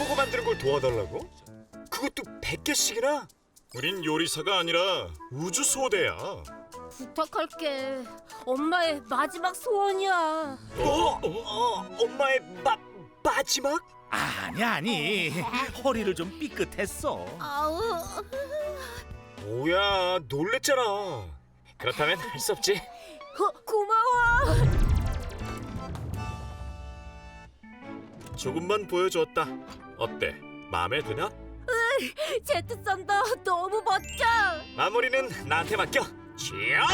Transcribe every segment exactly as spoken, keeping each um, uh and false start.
햄버거 만드는 걸 도와달라고? 그것도 백 개씩이나? 우린 요리사가 아니라 우주소대야. 부탁할게. 엄마의 마지막 소원이야. 어? 어? 엄마의 마, 마지막? 아니 아니 허리를 좀 삐끗했어. 아우. 뭐야, 놀랬잖아. 그렇다면 할 수 없지. 어, 고마워. 조금만 보여줬다. 어때? 마음에 드나? 제트 썬더 너무 멋져. 마무리는 나한테 맡겨. 취업!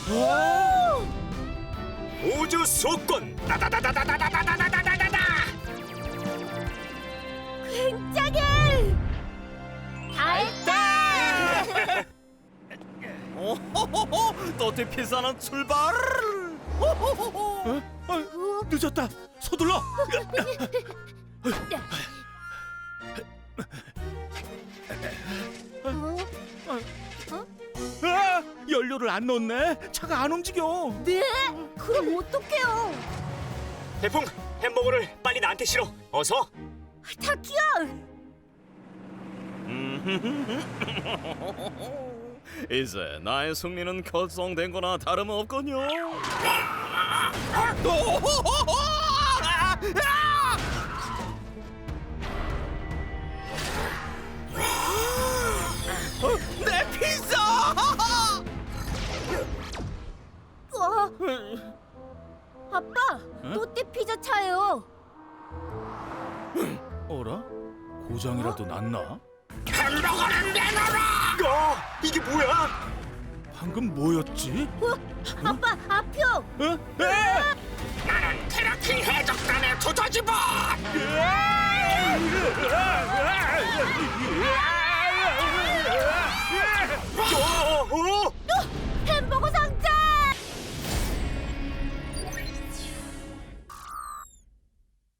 우주 소권! 다다다다다다다다다다다다! 굉장해. 알다. 오호호호 또띠 피자는 출발. 호호호호. 어? 어, 늦었다. 서둘러. 아, 연료를 안 넣었네. 차가 안 움직여. 네? 그럼 어떡해요? 태풍, 햄버거를 빨리 나한테 실어. 어서. 타키야. 이제 나의 승리는 결정된 거나 다름없군요. 내 피자! 어. 아빠, 또띠 피자 차요. 어라? 고장이라도 났나? 햄버거는 내놔라! 어, 이게 뭐야? 방금 뭐였지? 어? 아빠, 아표. 어? 에!